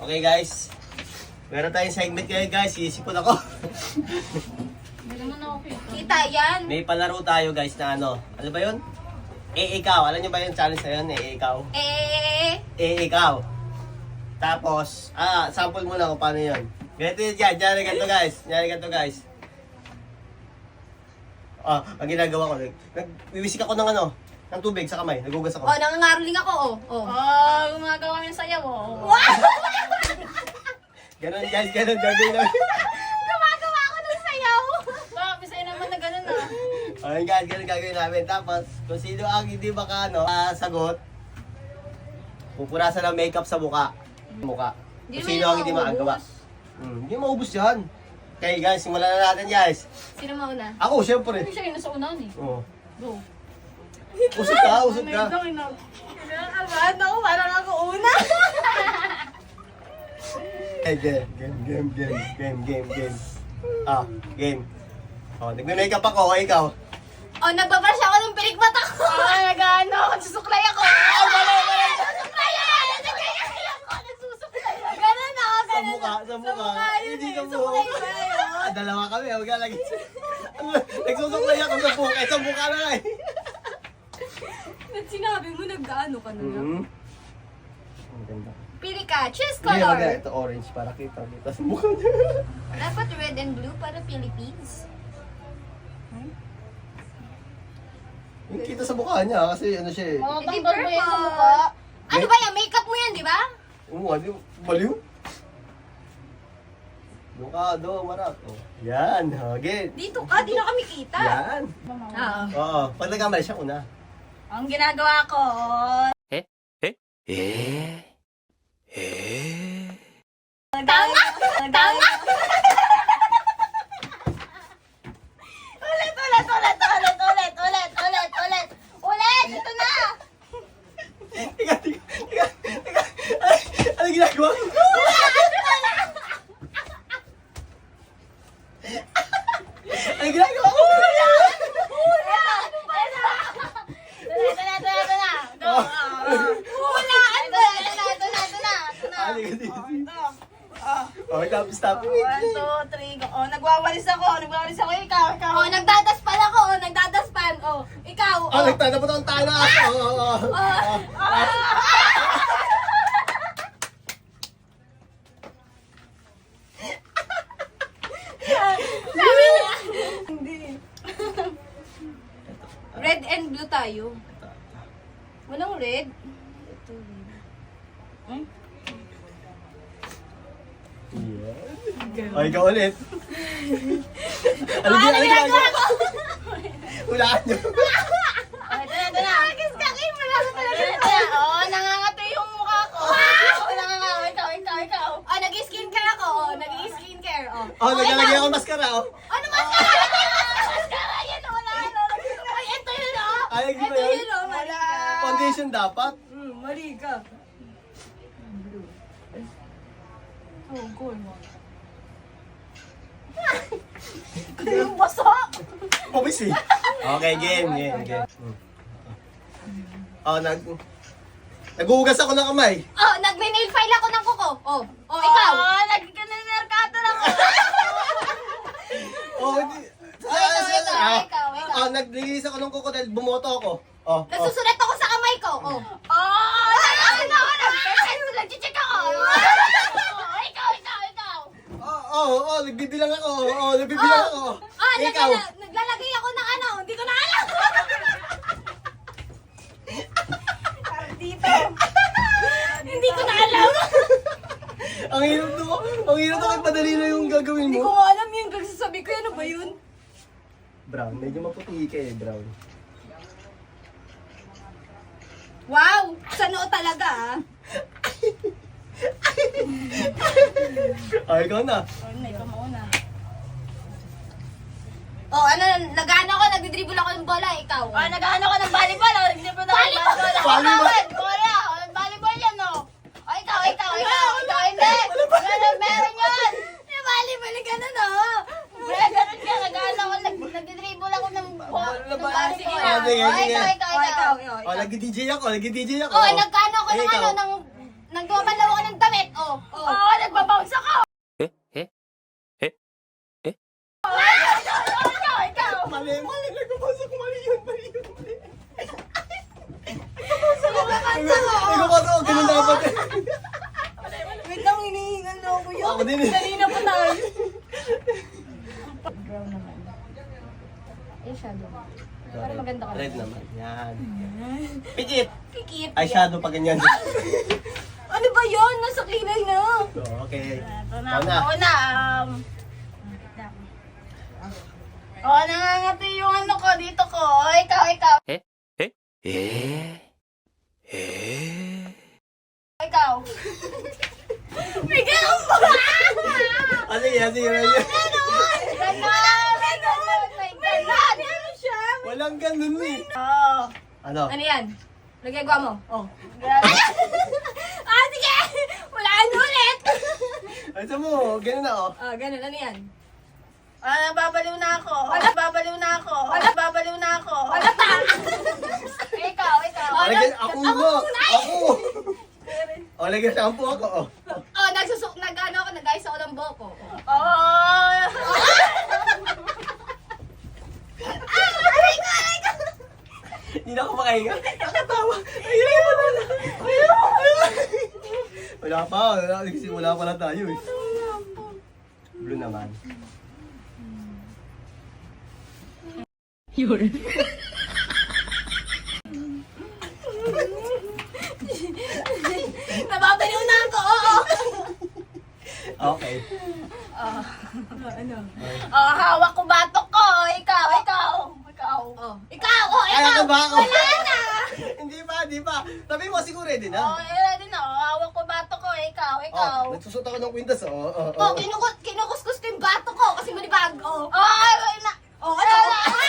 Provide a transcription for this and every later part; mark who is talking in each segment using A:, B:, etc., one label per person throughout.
A: Okay guys, meron tayong segment ngayon guys, isipon ako.
B: Hindi naman ako
C: Kita yan.
A: May palaro tayo guys na ano ba yun? Ikaw, alam nyo ba yung challenge na yun? Ikaw. Ikaw. Tapos, sample muna kung paano yun. Ganito yun dyan, ganito guys. Ang ginagawa ko, nagwiwisik ako ng ng tubig sa kamay, nagugas ako.
C: Nangangaroling ako,
B: Gumagawa ng sayaw,
A: Ganon guys, ganon gagawin namin.
C: Gumagawa ako ng sayaw.
B: Bakit sa'yo naman na gano'n
A: Ayun guys, ganon gagawin namin. Tapos, kung sino ang hindi sagot, pupurasan ng makeup sa mukha.
C: Hindi
A: Kung
C: naman
A: sino
C: yung
A: ang hindi
C: maubos.
A: makagawa. Hindi maubos yan. Okay guys, simulan na natin guys.
C: Sino mauna?
A: Ako, syempre.
B: Hindi siya yung nasa unahan eh.
A: Oo.
B: Go.
A: Usod ka.
C: Kinakabahan ako, parang ako una.
A: Game. Game. Nagme-makeup ako, ikaw.
C: Nagbabrush ako ng pilik mata ko. Nagsusuklay ako. Ganun ako, ganun.
A: Sa mukha. Hindi sa mukha.
C: Suklay.
A: Dalawa kami, huwag ka lagi. Nagsusuklay ako sa mukha. Sa mukha na nga eh.
C: Ba't sinabi mo nag-ano ka na lang?
A: Ang ganda.
C: Pili ka, choose
A: Hindi,
C: color.
A: maganda. Ito orange para kita sa mukha niya.
C: Dapat red and blue para Philippines.
A: Yung kita sa mukha niya kasi ano siya eh.
C: Hindi
B: Tanggal mo yan sa
C: purple.
B: mukha.
C: Ano ba yan? Makeup mo yan, di ba?
A: Ano? Baliw? Doon ka, marap. Yan, again.
C: Dito ka, di na kami kita.
A: Yan.
C: Oo.
A: Oo, pag nagkamali siya una.
C: Ang ginagawa ko, tama! Tama! Ulit! Ito na!
A: Tiga. Ano ginagawa ko? Ano ginagawa ko?
C: Ito na! Go! Wala! Ito na!
A: Ano ginagawa? Oh, stop.
B: 1, 2, 3, go. Nagwawalis ako. Ikaw.
C: Nagdadaspan ako! Nagdadaspan! Ikaw!
A: Nagtatapot akong tayo na aso.
C: Sabi niya! Hindi. Red and blue tayo. Walang red. Ito red.
A: Oh, ikaw ulit. Ano ginagawa ko? Hulaan niyo.
C: Ito na. Agis ka kayo. Wala ka talaga. Nangangati yung mukha ko. Ikaw. Nag-skincare ako. Nag-skincare.
A: Naglalagay ako ng mascara.
C: Ano mascara? Mascara yan. Wala. Ay, ito yun.
A: Ay, hindi ba
C: Ito
A: yun?
C: yun. Wala.
A: Foundation dapat.
C: Mali ka.
B: Go mo.
C: Yung baso.
A: Pabis eh. Okay, game. Naghuhugas ako ng kamay.
C: Nagme-nail file ako ng kuko. Ikaw.
B: Nagka-merkato lang ako.
C: Ikaw.
A: Naglilis ako ng kuko dahil bumoto ako.
C: Nagsusulat ako sa kamay ko. Nag-check ako. Ikaw.
A: Nagbibilang ako. Nagbibilang ako. Ikaw.
C: Naglalagay ako ng hindi ko na alam.
B: Dito.
C: Hindi ko na alam.
A: Ang hirap to. Ang hirap to kahit madali na yung gagawin
C: Hindi ko
A: mo.
C: alam yung gagsasabi ko. Ano ba yun?
A: Brown. Medyo maputi ka eh, brown.
C: Wow! Sa noo talaga
A: Ikaw na.
B: Ikaw mauna.
C: Nag-ano ako, nagdidribble ako ng bola, ikaw.
B: Nag-ano ka ng volleyball.
C: Volleyball yan, ikaw, hindi. Meron yun. Yung volleyball, gano'n,
B: Ganun ka. Nag-ano ako. Nagdidribble ako ng volleyball.
C: Sige na. Ikaw.
A: Nag-DJ ako.
C: Nagkano ako ng nagdumalaw ako ng damit,
A: Mali. Nagpapasok. Mali yun. Nagpapasok ako. Ganun dapat eh.
C: Wait lang, hinihingan na ako yun.
A: Ako din eh.
C: Kanina pa tayo. Brown naman. Eyeshadow. Para maganda ka.
A: Red naman. Yan. Pikit.
C: Kikit.
A: Eyeshadow pa ganyan.
C: Ano ba yun? Nasa kilay na.
A: So, okay.
C: Ito
A: Ikaw na.
C: Ako na. Oh, nangangati yung ano ko dito ko. Oh, ikaw. Ikaw. Bigyan mo!
A: Sige.
C: Ganon! May ganon siya.
A: Walang ganun eh.
C: Oh.
A: Ano?
C: Ano yan? Nagagawa mo? Oh. Sige! Wala na ulit!
A: Ano mo? Ganun na oh.
C: Ganun. Ano yan? Babaliw na ako. Wala pa! Ikaw.
A: Ako mo. Ako. O, lagyan shampoo ako. Oh.
C: Nag-ayos ako ng buhok ko. Oh!
A: Hindi na ako makahinga. Nakatawa. Ayun mo na. Wala pa. Nagsimula pa lang tayo eh. Blue naman.
C: Nababaliw na ako, oo!
A: Okay.
C: Hawak ko batok ko. Ikaw.
A: Kaya ka ba ako?
C: Wala na!
A: Hindi pa. Sabi mo siguro ready na.
C: Ready na. Hawak ko batok ko. Ikaw.
A: Nagsusot ako ng kwintas.
C: Kinukuskus ko yung batok ko kasi malibag. Wala na. Ano?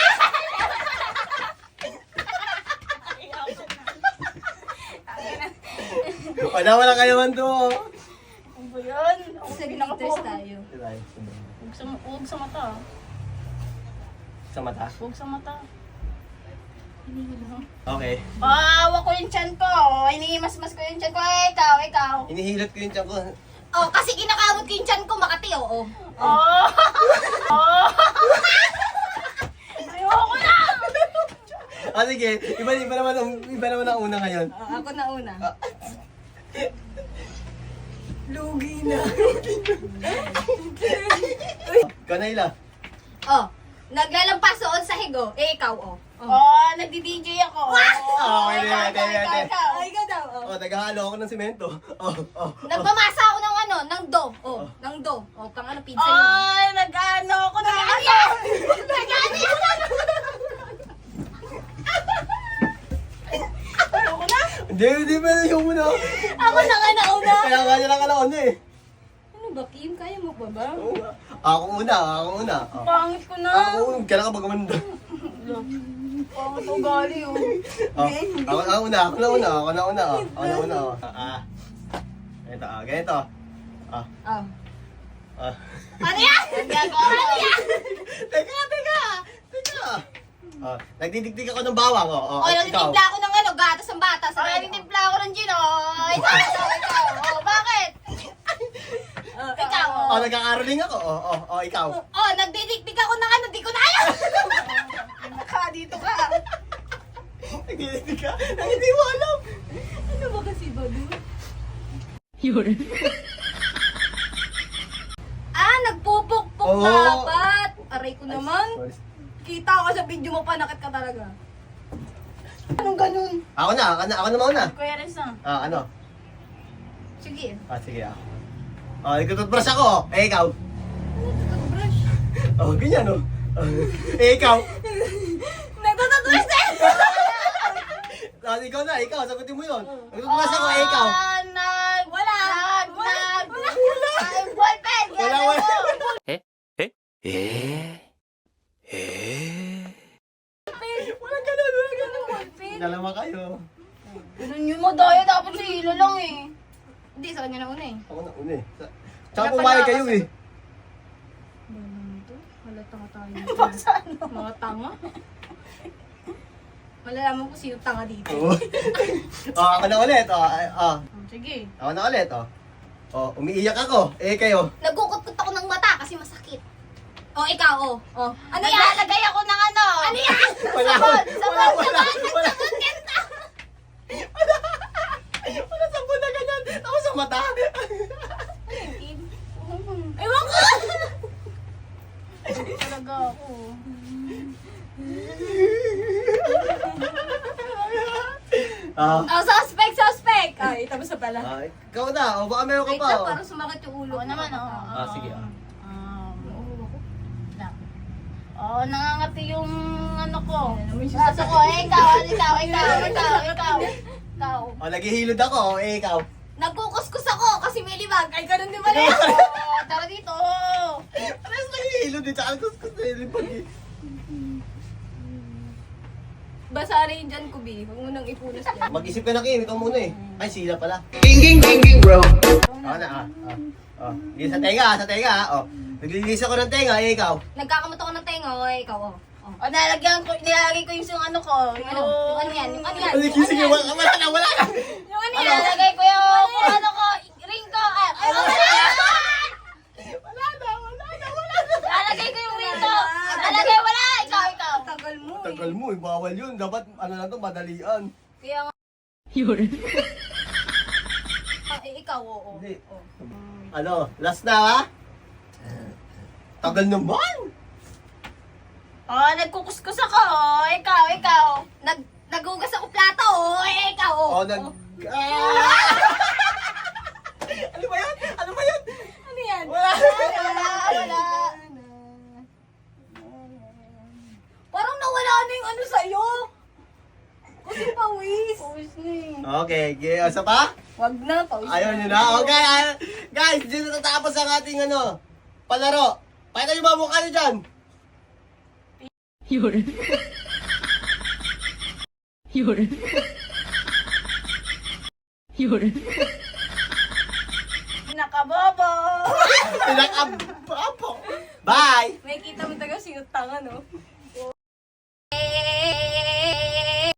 A: Wala ka naman to.
C: Ano ba yun? Sige, nakapos tayo. Huwag sa mata.
A: Sa mata?
C: Huwag sa mata.
A: Okay.
C: Hawak ko yung tiyan ko. Inihimas-mas ko yung tiyan ko. Ikaw.
A: Inihilot ko yung tiyan ko.
C: Kasi kinakamot ko yung tiyan ko, Makati, oo. Ayoko na!
A: Sige. Iba naman ang una ngayon.
C: Ako na una. Lugi na.
A: Ikaw na ila.
C: Naglalampas doon sa higo. Ikaw, nagdi-DJ ako.
A: Okay.
C: Ikaw daw,
A: Naghahalo ako ng simento.
C: Nagmamasa ako ng do. Ng do. Pang ano, pizza yun. Nag-ano ako na. Nag-ano yun. Ayoko na.
A: Hindi pa yung muna.
C: Ako na nga nauna.
A: Kaya nga niya lang kalaon eh.
C: Ano ba, Kim? Kaya mo ba ba?
A: Oo nga. Ako una.
C: Pangit ko na.
A: Ako, kailan ka ba gumanda?
C: Pangit ugali yun.
A: Ako na una. Ganito.
C: Ano yan? Ano yan?
A: Teka. Nagdidikdik ako ng bawang.
C: Nagtitimpla ako ng gatas ng bata. Nagtitimpla ako ng gin, Ikaw. Bakit? Ikaw.
A: Nagkakaroling ako. Ikaw.
C: Nagdidikdik ako ng di ko na alam. Dito ka.
A: Nagdidikdik ka? Hindi mo alam.
C: Ano ba kasi ba doon? Nagpupukpok dapat. Aray ko naman. Kita ko sa video mo, panakit ka talaga. Anong ganun?
A: Ako na mauna.
C: Kuya Renz na.
A: Ano?
C: Sige.
A: Sige nagtututbrush ako. Ikaw.
C: Toothbrush.
A: Ganyan ikaw.
C: Nagtututbrush na!
A: Ikaw, sagutin mo yun. Nagtutbrush ako, ikaw.
C: Wala. Ballpen.
A: Wala. Walang ganun. Dalawa kayo.
C: Ganun yung madaya, dapat sa hilo lang eh. Hindi, sa kanya na una eh.
A: Ako na una eh. Tsaka pumayag kayo eh.
C: Halata nga tayo. Mga tanga. Malalaman ko sino tanga dito.
A: Ako na ulit.
C: Sige.
A: Ako na ulit. Umiiyak ako. Kayo.
C: Nagkukot-kot ako ng mata kasi masakit. O, ikaw, o. O. Ano yan?
B: Naglalagay ako ng ano.
C: Ano yan?
A: Wala,
B: Sabon,
A: wala,
B: sabon,
A: wala,
B: sabon,
A: wala.
B: sabon, ganda.
A: Wala sabon na ganyan. Tapos sa mata.
C: Ewan ko!
B: Talaga ako.
A: Ah.
C: Oh, suspect! Ay, tapos na pala.
A: Ikaw na. O baka meron ka
C: Wait
A: pa.
C: lang,
A: oh.
C: parang sumakit yung ulo.
B: Oo naman, oo.
A: Sige.
B: Nangangati yung ano ko.
C: May
B: Braso ko. Ikaw.
A: O, naghihilod ako. Ikaw.
C: Nagkukuskus ako kasi may libag. Ay, ganun din pala.
B: Tara dito.
A: Alas naghihilod din. Tsaka kuskus na yun.
C: Basa rin dyan, Kubi. Huwag mo nang ipunas dyan.
A: Mag-isip ka na, Kim. Ikaw muna eh. Ay, sila pala.
D: bro.
A: Ako na, Hindi sa tenga, sa tenga. O, naglilinis ako ng tenga. Ikaw.
C: Nagkakamot ako ng tenga. O, ikaw, o.
B: Nilalagay ko yung ano ko.
C: Yung ano? Yung ano yan? Yung ano yan?
A: Sige, sige. Wala na.
C: Yung ano yan?
B: Nilalagay ko yung ano ko. Ring ko. Nilalagay ko yung ring ko. Nilalagay, wala. Ikaw.
C: Tagal mo eh.
A: Tagal mo eh. Bawal yun. Dapat, ano lang to, madalian.
C: Kaya nga. Ikaw, oo.
A: Hindi. Ano, last na ha? Tagal naman.
B: Nagkukuskus ako. Ikaw.
C: Nagugas ako plato, o. Ikaw, o.
A: O, Ah! Ano ba yan? Ano ba yan?
C: Ano yan?
A: Wala.
B: Wala.
C: Parang nawala na yung ano sa'yo. Kasi pawis.
B: Pawis na eh.
A: Okay, isa pa?
C: Wag na, pawis
A: Ayaw nyo na? Okay, guys, dito natapos ang ating palaro. Pakita nyo ba mukha nyo dyan?
B: Nakabobo.
A: Pinakabapo. Bye!
C: May kita mo taga sinutang, ano?